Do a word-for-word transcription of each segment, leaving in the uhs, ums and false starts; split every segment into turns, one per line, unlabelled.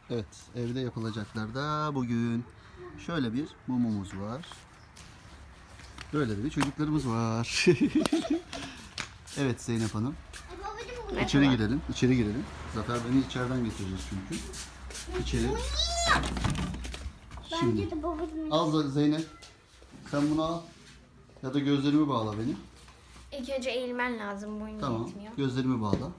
Evet, evde yapılacaklar da bugün şöyle bir mumumuz var. Böyle de bir çocuklarımız var. Evet Zeynep Hanım. İçeri girelim, içeri girelim. Zafer beni içeriden getireceğiz çünkü. İçeri. Şimdi
Bence de babacığım.
al Zeynep. Sen bunu al. Ya da gözlerimi bağla benim.
İlk önce eğilmen lazım, boyun
Tamam.
yetmiyor.
Gözlerimi bağla.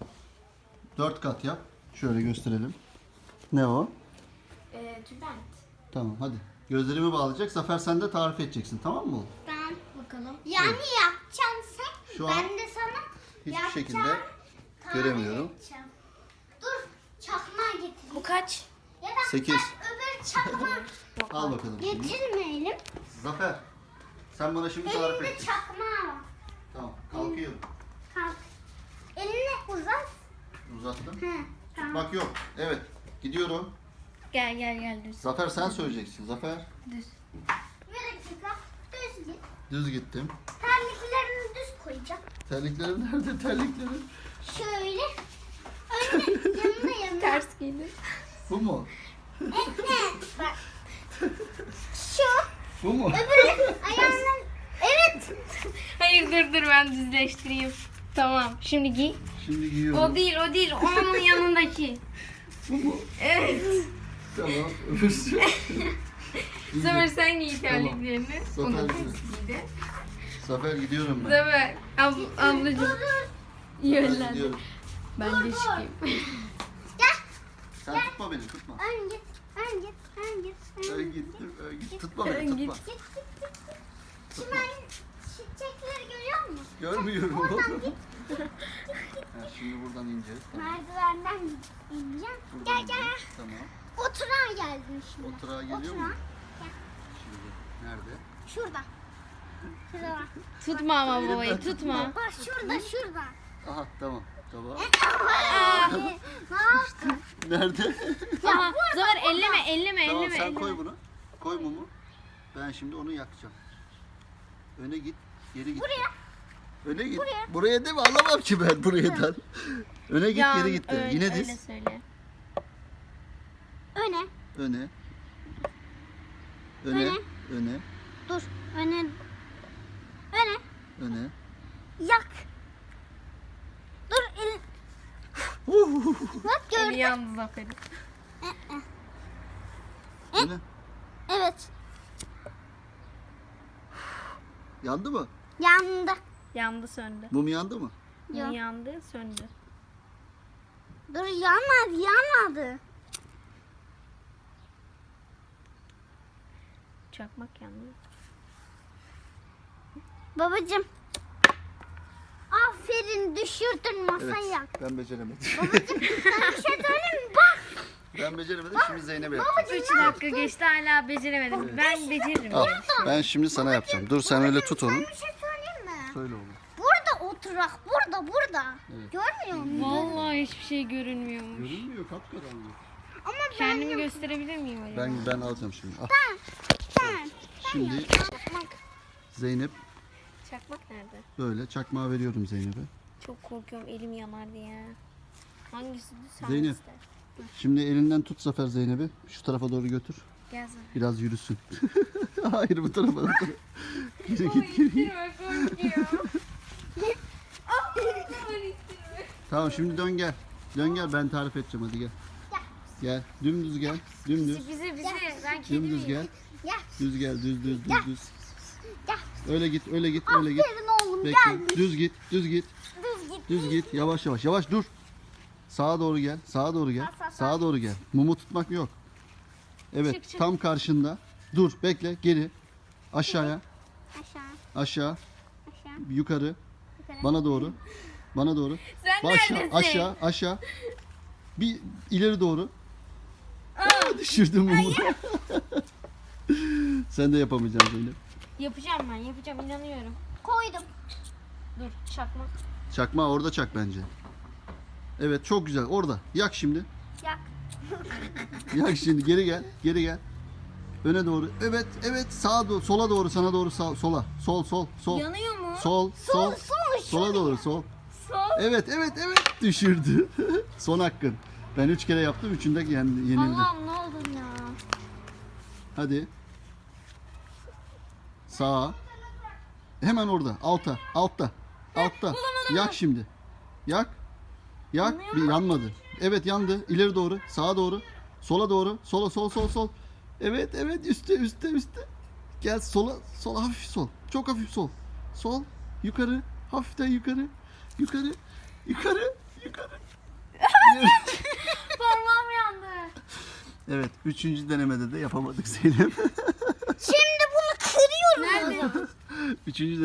Dört kat yap. Şöyle gösterelim. Ne o?
Ee, tülbent.
Tamam hadi. Gözlerimi bağlayacak. Zafer sen de tarif edeceksin. Tamam mı?
Ben bakalım. Yani yapacaksın sen.
Şu an
ben de sana
hiçbir
yapacağım,
şekilde
tarif
göremiyorum.
edeceğim. Dur çakmağı getir.
Bu kaç?
Ya da
Sekiz.
ben öbür çakmağı
Al bakalım şimdi.
getirmeyelim.
Zafer. Sen bana şimdi tarif
Elinde
et.
çakmağı var.
Tamam. Kalkıyorum.
Kalk. Elini uzat.
Uzattım.
He, tamam.
Bak yok. Evet. Gidiyorum.
Gel gel gel düz.
Zafer sen söyleyeceksin. Zafer.
Düz.
Bir dakika. Düz git.
Düz gittim.
Terliklerini düz koyacağım.
Terliklerim nerede? Terliklerim.
Şöyle. Önüne yanına yanına.
Ters giydin.
Bu mu?
Evet. Bak. Şu.
Bu mu?
Öbürü ayağının. Evet.
Hayır dur dur ben düzleştireyim. Tamam şimdi giy.
Şimdi giyiyorum.
O değil o değil onun yanındaki.
Bu mu?
Evet.
Tamam. Öbürsü.
Zafer sen giy
Tamam.
terliklerini.
Zafer
Onu
giy.
ters giydi.
Zafer gidiyorum ben.
Zafer ab ablacığım
Zafer
yönlendi.
gidiyorum.
Ben de çıkayım.
Gel.
Sen tutma beni tutma.
Ön git. Ön git. Ön git. Ön
Ben
git.
gittim. Ben git. Tutma beni
Ön
tutma.
git.
Git git git. git. Çimen çiçekleri görüyor musun?
Görmüyorum
Oradan
oğlum.
git.
Ha, şimdi buradan ineceğiz. Tamam.
Merdivenden ineceğim.
Buradan
Gel gel.
ineceğiz. Tamam.
Oturağa geldim şimdi.
Oturağa geliyor
Oturağa.
mu? Şimdi nerede?
Şurada. Şurada bak.
Tutma ama
Elimden
babayı
tutma.
tutma.
Bak şurada şurada.
Aha tamam. Tamam.
Ne yaptın?
Nerede?
Aha Zafer elleme elleme
Tamam
elleme.
sen
elleme.
koy bunu. Koy mumu. Ben şimdi onu yakacağım. Öne git. Geri git.
Buraya.
Öne git.
Buraya.
Buraya değil mi? Anlamam ki ben buradan. Öne git
Yan,
geri git. de.
öyle-
Yine
öyle
diz.
söyle.
Öne.
Öne. Öne.
Öne.
Öne.
Dur. Öne. Öne.
Öne.
Yak. Dur elin. Bak
Eli
gördün.
yandı Zafer'in.
Öne.
Evet.
Yandı mı?
Yandı.
Yandı söndü.
Mum yandı mı?
Yok.
Yandı söndü.
Dur yanmadı yanmadı.
Çakmak yandı.
Babacım. Aferin düşürdün masayı yak.
Ben beceremedim.
Sana bir şey söyleyeyim mi? Bak.
ben beceremedim. Şimdi Zeynep'e yapacağım.
Babacım
Üç
ne
dakika geçti hala beceremedim. Ben beceririm.
Al.
yani.
Ben şimdi sana yapacağım. Dur sen öyle tut onu.
Sana bir şey söyleyeyim mi?
Söyle oğlum.
Burada oturak. Burada burada.
Evet.
Görmüyor musun?
Vallahi hiçbir şey görünmüyormuş.
Görünmüyor kapkaranlık.
Ama ben
Kendimi gösterebilir miyim acaba?
Ben ben alacağım şimdi. Al.
ben.
Şimdi
Çakmak.
Zeynep
Çakmak nerede?
böyle çakmağı veriyorum Zeynep'e.
Çok korkuyorum elim yanar diye. Hangisi sen
Zeynep.
iste.
Şimdi elinden tut Zafer Zeynep'i. Şu tarafa doğru götür.
Gel Zafer.
Biraz yürüsün. Hayır bu tarafa. Bu tarafa. Geri git geri git.
korkuyor.
Tamam şimdi dön gel. Dön gel ben tarif edeceğim hadi gel. Gel. Dümdüz gel. Dümdüz.
Bizi bizi ben kedi
Dümdüz
miyim?
gel.
Gel.
Düz gel. Düz düz düz düz.
Gel.
Öyle git öyle git öyle git.
Aferin oğlum
Bekle.
gelmiş.
Düz git. Düz git.
Düz git.
Düz git. Yavaş yavaş. Yavaş dur. Sağa doğru gel. Sağa doğru gel.
Sağ, sağ, sağ.
Sağa doğru gel. Mumu tutmak yok. Evet.
Çık, çık.
Tam karşında. Dur. Bekle. Geri. Aşağıya.
Aşağı.
Aşağı.
Aşağı.
Yukarı.
Yukarı.
Bana doğru. Bana doğru.
Sen
Aşağı.
neredesin?
Aşağı. Aşağı. Bir ileri doğru. Aa, düşürdüm mumu. Sen de yapamayacaksın Zeynep.
Yapacağım ben yapacağım inanıyorum.
Koydum.
Dur çakmak.
Çakma orada çak bence. Evet çok güzel. Orada. Yak şimdi.
Yak.
Yak şimdi. Geri gel. Geri gel. Öne doğru. Evet. Evet. Sağa doğru. Sola doğru. Sana doğru. Sağ, sola. Sol. Sol. Sol.
Yanıyor mu?
Sol.
Sol
Sol.
sol.
Sola doğru. Sol.
Sol.
Evet. Evet. Evet. Düşürdü. Son hakkın. Ben üç kere yaptım. Üçünde yendi, yenildi.
Allah'ım ne oldun ya.
Hadi. Sağa. Hemen orada. Alta. Altta. Altta. Yak şimdi. Yak. Yak. Bir yanmadı. Evet yandı. İleri doğru. Sağa doğru. Sola doğru. Sola sol sol sol. Evet evet üstte üstte üstte. Gel sola. Sola hafif sol. Çok hafif sol. Sol. Yukarı. Hafiften yukarı. Yukarı. Yukarı. Yukarı.
Parmağım yandı.
Evet. Üçüncü denemede de yapamadık Zeynep.
Şimdi bunu kırıyorum. Nerede?
Üçüncü